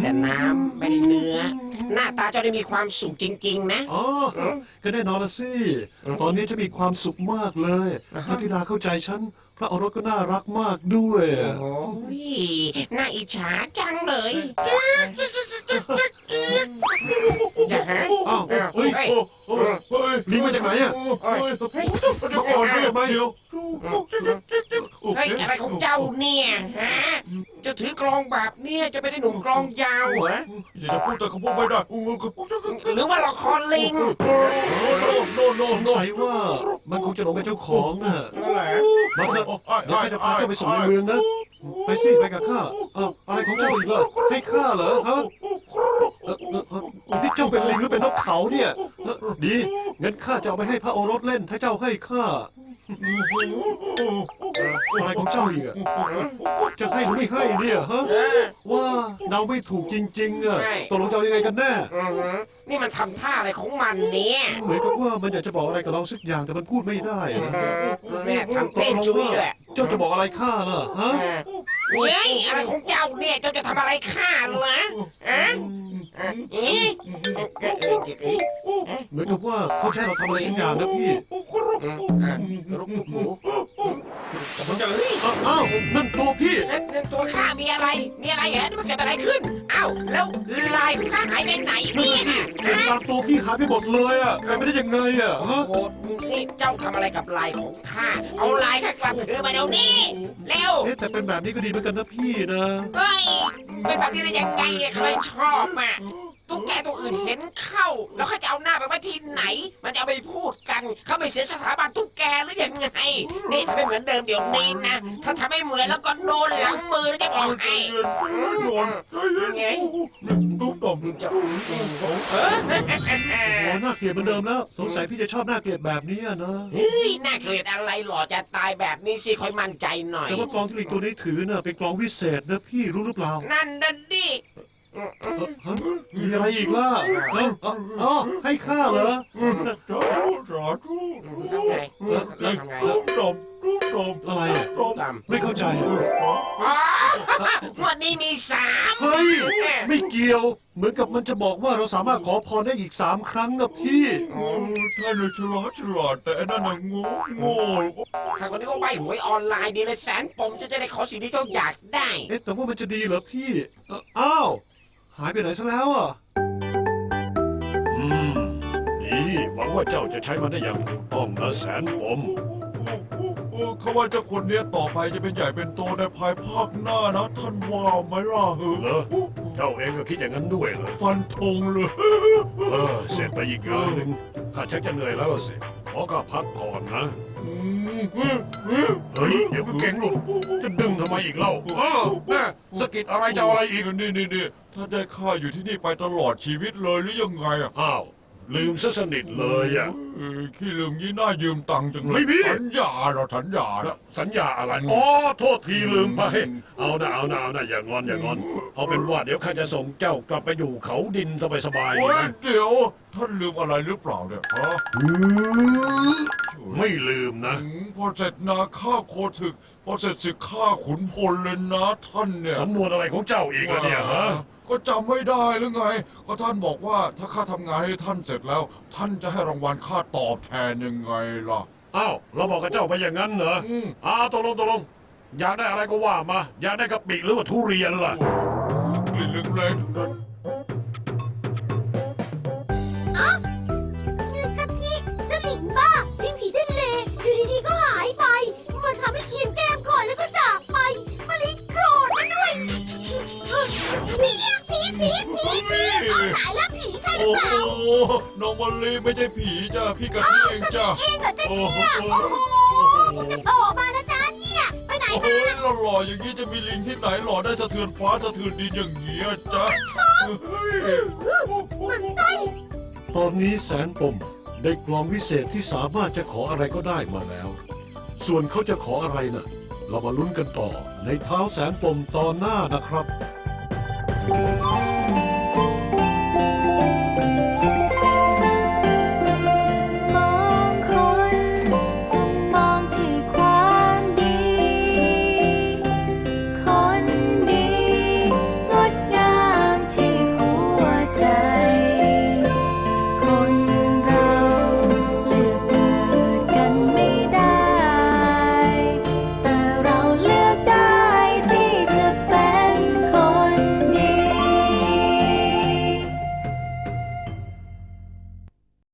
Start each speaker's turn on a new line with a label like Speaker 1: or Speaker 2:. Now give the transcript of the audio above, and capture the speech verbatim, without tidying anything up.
Speaker 1: แต่น้ำไม่ได้เนื้อหน้าตาเจ้าได้มีความสุขจริงๆนะ
Speaker 2: อ๋อก็แน่นอนละสิตอนนี้จะมีความสุขมากเลยพระธิดาเข้าใจฉันพระโอรสก็น่ารักมากด้วย
Speaker 1: โอ้ยน่าอิจฉาจังเลยอย่าฮะ
Speaker 2: อ้าวเฮ้ยลิงมาจากไหนอ่ะมาก่อนได้ไหมเดี๋ยว
Speaker 1: เฮ้ยอะไรของเจ้าเนี่ยฮะจะถือกลองแบบเนี้ยจะไปได้หนุ่มกลองยาวเหรอ
Speaker 3: อย่าจะพูดแต่คำพูดไม่ได้
Speaker 1: หรือว่าละครลิง
Speaker 2: สงสัยว่ามันคงจะหลงเป็นเจ้าของน่ะมาเถอะเดี๋ยวข้าจะพาเจ้าไปส่งในเมืองนะไปสิไปกับข้าเอ้าอะไรของเจ้าอีกล่ะให้ข้าเหรอฮะนี่เจ้าเป็นลิงหรือเป็นนกเขาเนี่ยดีงั้นข้าจะเอาไปให้พระโอรสเล่นถ้าเจ้าให้ข้าอะไรของเจ้าอีกอะจะให้หรือไม่ให้เนี่ยฮะว่าเดาไม่ถูกจริงๆอะตกลงจะเอายังไงกันแน่
Speaker 1: นี่มันทำท่าอะไรของมันเนี่ย
Speaker 2: เหมือนกับว่ามันอยากจะบอกอะไรกับเราสักอย่างแต่มันพูดไม่ได้นะ
Speaker 1: แม่ทำเต้นจุ้ยแหละ
Speaker 2: เจ้าจะบอกอะไรข้าล่ะฮะ
Speaker 1: เฮ้ยอะไรของเจ้าเนี่ยเจ้าจะทำอะไรข้าเหรออะ
Speaker 2: เหมือนกับว่าเขาแค่เราทำอะไรสักอย่างนะพี่อ้าวนั่นตัวพี่
Speaker 1: ตัวข้ามีอะไรมีอะไรเหรอมันเกิดอะไรขึ้นอ้าวแล้วลายของข้าหายไปไหนเนี่ย
Speaker 2: ตามตัวพี่หายไปหมดเลยอ่ะหายไปได้ยังไงอ่ะฮะ
Speaker 1: โอ้นี่เจ้าทำอะไรกับลายของข้าเอาลายข้ากลับคืนมาเดี๋ยวนี้เร็ว
Speaker 2: แต่เป็นแบบนี้ก็ดีเหมือนกันนะพี่นะ
Speaker 1: เฮ้ยเป็นแบบนี้ได้ยังไงเนี่ยใครชอบอ่ะตุ๊กแกตัวอื่นเห็นเข้าแล้วเขาจะเอาหน้าไปไว้ที่ไหนมันจะเอาไปพูดกันเขาไม่เสียสถาบันตุ๊กแกหรือยังไงนี่ทำให้เหมือนเดิมเดี๋ยวนี้นะถ้าทำให้เหมือนแล้วก็โดนหลังมือจะบอกให้
Speaker 3: โดน
Speaker 1: ไง
Speaker 3: ตุ๊กตบ
Speaker 1: จะ
Speaker 2: โอ้น่าเกลียดเหมือนเดิมแล้วสงสัยพี่จะชอบน่าเกลียดแบบนี้นะ
Speaker 1: เฮ้ยน่าเกลียดอะไรหล่อจะตายแบบนี้สิค่อยมั่นใจหน่อย
Speaker 2: แต่ว่ากลองที่ลิงตัวนี้ถือน่ะเป็นกลองวิเศษนะพี่รู้หรือเปล่า
Speaker 1: นั่นนั่นดิ
Speaker 2: มีอะไรอีกล่ะอ๋อให้ข้าเหรอ
Speaker 3: สาธุสาธุ
Speaker 1: ทำไงทำไง
Speaker 3: ตบตุ๊กตบ
Speaker 2: อะไรอ่ะไม่เข้าใจ
Speaker 1: วันนี้มีสาม
Speaker 2: เฮ้ยไม่เกี่ยวเหมือนกับมันจะบอกว่าเราสามารถขอพรได้อีกสามครั้งนะพี่
Speaker 3: ท่านฉลาดฉลาดแต่นั่นน่ะโง่โง่
Speaker 1: ถ้าคนนี้ก็ใบหวยออนไลน์ดีเลยแสนปมจะจะได้ขอสิ่งที่เจ้าอยากได้
Speaker 2: เอ๊ะแต่ว่ามันจะดีเหรอพี่อ้าวหายไปไหนซะแล้วอ่ะ
Speaker 4: อืมนี่หวังว่าเจ้าจะใช้มันได้อย่างถูกต้องนะแสนปม
Speaker 3: เขาว่าเจ้าคนนี้ต่อไปจะเป็นใหญ่เป็นโตในภายภาคหน้านะท่านว่าไหมล่ะ
Speaker 4: เหรอเจ้าเองก็คิดอย่างนั้นด้วยเหรอ
Speaker 3: ฟันธงเลย
Speaker 4: เออเสร็จไปอีกงานหนึ่งข้าชักจะเหนื่อยแล้วสิขอข้าพักก่อนนะเฮ้ยเดี๋ยวก็เก่งลูกจะดึงทำไมอีกเล่าอ้าวแม่สกิดอะไรจะอะไรอีก
Speaker 3: นี่นี่นี่ถ้าได้ข้าอยู่ที่นี่ไปตลอดชีวิตเลยหรือยังไงอ่ะ
Speaker 4: อ้าวลืมซะสนิทเลยอ่ะ
Speaker 3: ขี้ลืมยี่น่ายืมตังค์จังเลย
Speaker 4: ไม่มี
Speaker 3: สัญญาเราสัญญา
Speaker 4: สัญญาอะไรอ๋อโทษทีลืมไปเอาหน้าเอาหน้าเอาหน้าอย่างอนอย่างอนเอาเป็นว่าเดี๋ยวข้าจะส่งเจ้ากลับไปอยู่เขาดินสบาย
Speaker 3: ๆนะเดี๋ยวท่านลืมอะไรหรือเปล่าเนี่ยฮะ
Speaker 4: ไม่ลืมนะ
Speaker 3: พอเสร็จนาข้าโคถึกพอเสร็จศึกข้าขุนพลเลยนะท่านเนี่ย
Speaker 4: สำนวนอะไรของเจ้าอีกล่ะเนี่ยฮะ
Speaker 3: ก็จำไม่ได้หรือไงก็ท่านบอกว่าถ้าข้าทำงานให้ท่านเสร็จแล้วท่านจะให้รางวัลข้าตอบแทนยังไงล่ะ
Speaker 4: อ้าวเราบอกกับเจ้าไปอย่างนั้นเหรออ้าวตกลงตกลงอยากได้อะไรก็ว่ามาอยากได้กะปิหรือว่าทุเรียนล่ะ
Speaker 3: กลิ่นแรงๆนั้น
Speaker 5: อ๋อเงินกะทิเจ้าหลิงบ้าพี่ผีทะเลอยู่ดีๆก็หายไปมันทำให้เอียนแก้มก่อนแล้วก็จากไปมาลิโกรธมาด้วยผีผีผีผีผีเอาตายแล้วผีใช่หรือเปล่า
Speaker 3: โอ้น้องมอลลี่ไม่ใช่ผีจ้ะพี่กะทิเองจ้ะ
Speaker 5: เองเหรอจ๊ะเนี่ยโอ้โหจะโตมานะจ๊ะเนี่ยไปไหนมา
Speaker 3: หล่อๆอย่างนี้จะมีลิงที่ไหนหล่อได้สะเทือนฟ้าสะเทือนดินอย่างเงี้ยจ๊ะ
Speaker 5: มันไส้
Speaker 2: ตอนนี้แสนปมได้กลองวิเศษที่สามารถจะขออะไรก็ได้มาแล้วส่วนเขาจะขออะไรน่ะเรามาลุ้นกันต่อในเท้าแสนปมตอนหน้านะครับ